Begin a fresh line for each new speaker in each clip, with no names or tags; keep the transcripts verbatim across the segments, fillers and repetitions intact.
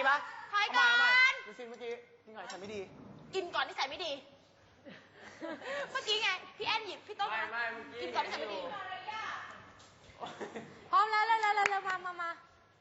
ปะ
ถอยก่อน
ดูซิเมื่อกี้กินก่อนนิสัยไม่ดี
กินก่อนนิสัยไม่ดีเมื่อกี้ไงพี่แอนหยิบพี่ต้นมากินก่อนนิสัยไม่ดี
พร้อมแล้วแล้วแล้วแล้วมามามา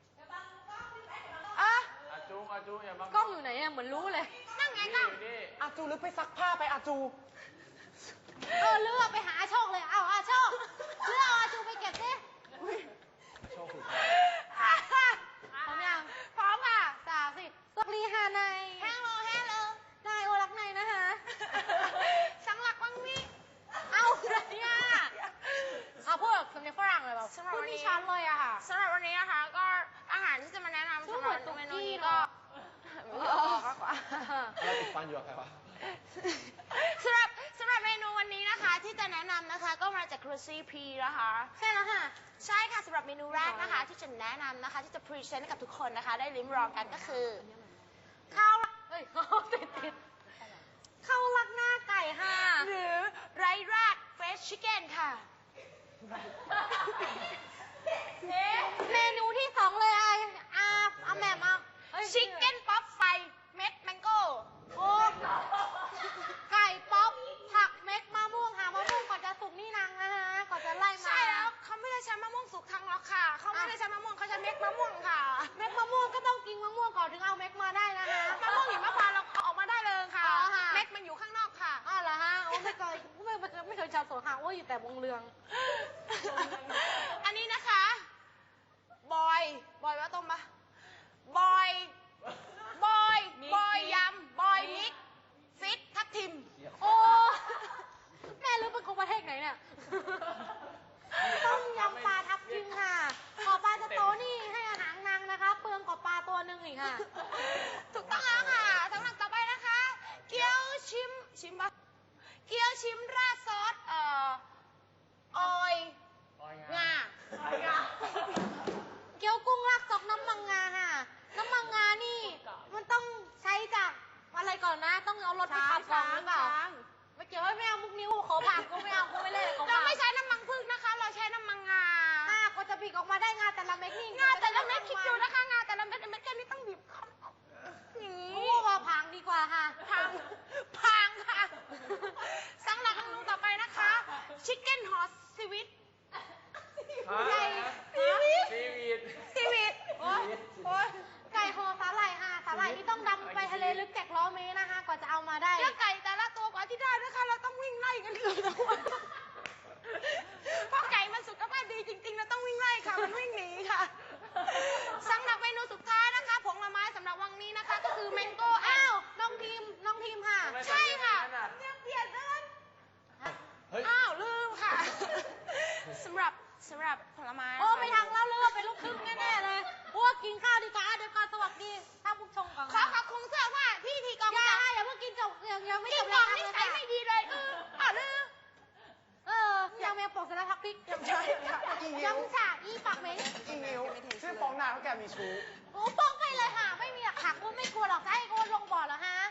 อ่ะ
อาจูอาจูอย่าบัง
กล้องอยู่ไหนอะเหมือนรู้เลย
นั่งไงกล้อง
อาจูลึกไปซักผ้าไปอาจู
เออเลือกไปหาอาโชคเลยเอาอาโชคเลือกเอาอาจูไปเก็บสิ
โชคสุด
พร้อมยัง
พร้อมค่ะ
สามสิบสวัสดีค่ะนาย
แฮลโลแฮลโล
นายโอรักนายนะคะ
สังหลักวังนี้
เอาอะไรเนี่ยเอาพูดแบบสำเนียงฝรั่งเลยแบบพูดไม่ชัดเลยอะค่ะ
สำหรับวันนี้นะคะก็อาหารที่จะมาแนะนำสำหรับเมนูนี้ก็ไม่ออกมากกว่า
อะไรติดฟันอยู่กับใครวะ
สำหรับสำหรับเมนูวันนี้นะคะที่จะแนะนำนะคะก็มาจากครูซี่พีนะคะ
ใช่แล้วค่ะ
ใช่ค่ะสำหรับเมนูแรกนะคะที่จะแนะนำนะคะที่จะพรีเซนต์ให้กับทุกคนนะคะได้ลิ้มลองกันก็คือข้าว
เฮ้ยติดติดข้าวรักหน้าไก่ค่ะ
หรือไรราดเฟรชชิคเก้นค่ะ
เมนูที่สองเลยไออาอาแหม่มเอา
ชิคเก้นป๊อปไฟเม็ดแมงโก้
โอ้ไก่ป๊อปผักเม็ดมะม่วงหามะม่วงก่อนจะสุกนี่นางนะฮะก่อนจะไล่มา
ใช่แล้วเขาไม่ได้ใช้มะม่วงสุกทั้งหรอกค่ะเขาไม่ได้ใช้มะม่วงเขาใช้เม็ดมะม่วงค่ะ
เม็ดมะม่วงก็ต้องกินมะม่วงก่อนถึงเอาเม็ดมาได้นะฮะ
มะม่วงหิมพานต์เราเอาออกมาได้เลยค่ะเม็ดมันอยู่ข้างนอกค่ะ
อ้าวเหรอฮะโอ้ไม่เคยไม่ไม่เคยไม่เคยชาวสวนหางว่าอยู่แต่วงเรือง
อันนี้นะคะบอยบอยว่าต้มปะบอยบอยบอยยำบอยมิกฟิตทับทิม
โอ้แม่รู้เป็นคนประเทศไหนเนี่ยต้มยำปลาทับทิมค่ะขอปลาจะโตนี่ให้อาหารนางนะคะเปลืองกว่าปลาตัวหนึ่งอีกค่ะ
ถูกต้องแล้วค่ะสำหรับต่อไปนะคะเกี๊ยวชิมชิมปะเกี๊ยวชิมราดซอสเอ่อออยงา
เกี๊ยวกุ้งราดซอสน้ำมังงาค่ะน้ำมังงานี่มันต้องใช้จากอะไรก่อนนะต้องเอารถไปขับก่อนหรือเปล่าไม่เกี่ยวไม่เอามุกนิ้วขอผ่านก็ไม่เอาก็ไม่เล่น
เราไม่ใช้น้ำมันพืชนะคะเราใช้น้ำมันงา
อ่าก็จะบีบออกมาได้งาแต่ละเม็ดนี่
งาแต่ละเม็ดคิดดูนะคะงาแต่ละเม็ดเม็ดแค่นี้ต้องบีบ
อย่างนี้โอ้ว่าพังดีกว่าค่ะ
พังพังค่ะสำหรับเมนูต่อไปนะคะชิคเก้นฮอสซีวิต
ไก่ซีวิตซีวิต
ซีวิตโอ้โอ้
ไก่ห่อสาหร่ายค่ะสาหร่ายนี่ต้องดำไปทะเลลึกแกะล้อเมตรนะคะกว่าจะเอามาได้
แล้วไก่แต่ละตัวกว่าที่ได้นะคะเราต้องวิ่งไล่กันเลยทั้งวันเพราะไก่มันสุขภาพดีจริงๆเราต้องวิ่งไล่ค่ะมันวิ่งหนีค่ะสำหรับเมนูสุดท้ายนะคะผลไม้สำหรับวันนี้นะคะก็คือแมงโก้
อ้าวน้องทีมน้องทีมค่ะ
ใช่ค่ะเนี่ยเปลี่ยนเลยอ้าวลืมค่ะสำหรับสำหรับผลไม้
โอ้ไม่ทางเล่าเรื่องเป็นลูกครึ่งแน่ๆเลยพวกกินข้าวดีกว่าเดี๋ยวก่อนสวัสดีถ้าผู้ชมก่อน
ขอขอบคุณเสื้อผ้าพี่ทีกอง
อย่าอย่าเพิ่งกินจบยังยังไม่จบ
เลยค่ะนิสัยไม่ดีเลยเอออ่ะลืม
เออยังแมวปกเสร็จแล้วทักพิก
ยังใช่ค่ะ
ยังฉากอีปากเม้ง
อีนิ้วชื่อปองนาเขาแกมีชู้
โอ้ป้องไปเลยค่ะไม่มีหลักฐานคุณไม่กลัวหรอกจะให้คุณลงบ่อเหรอฮะ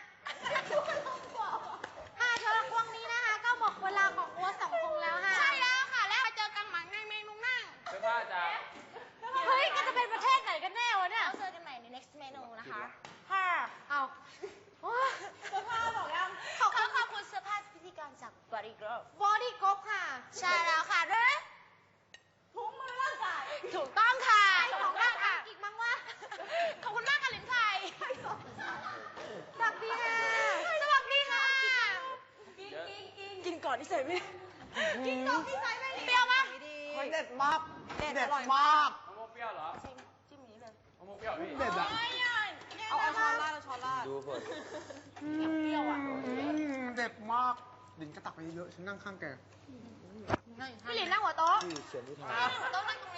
ค่ะสำหรับวันนี้นะคะก็หมดเวลาของวัวสองคงแล้วค่ะ
ใช่แล้วค่ะแล้วมาเจอกันใหม่ในเมนูหน้า
เสื้อผ้าจ้า
เฮ้ยก็จะเป็นประเทศไหนกันแน่วะเนี่ย
เจอกันใหม่ใน next เมนูนะคะ
ค่ะเอา
เสื้อผ้าบอกยังขอขอบคุณเสื้อผ้าพิธีกรจาก Body Group
Body Group ค่ะ
ใช่แล้วค่ะด้วยถุงมือร่างกายถูกต้องค่ะถูกต้องค่ะ
อีกมั้งว่า
ขอบคุณมากค่ะลินไทย
สวัสดีค่ะ
สวัสดีค่ะ
กินกินกิน
กินก่อนที่ใส่ไม่กินก่อนที่ใส่ไม่เปรี้ยวป่ะ
เด็ดมากเด็ดมาก
มะม่วงเปรี้ยวเหรอ
จิ้มนี้เลย
มะม่วงเปรี้ยวพี่
เด็ดอะ
เอาเอาช้อนราดเอาช้อนราด
ดูเผิด
เปรี้ยวอ่ะ
เด็ดมากดินกระตักไปเยอะฉันนั่งข้างแก
พี่หลินนั่งหัวโต๊ะ
ที่เขียนที่ทาง
หัวโต๊ะนั่งตรง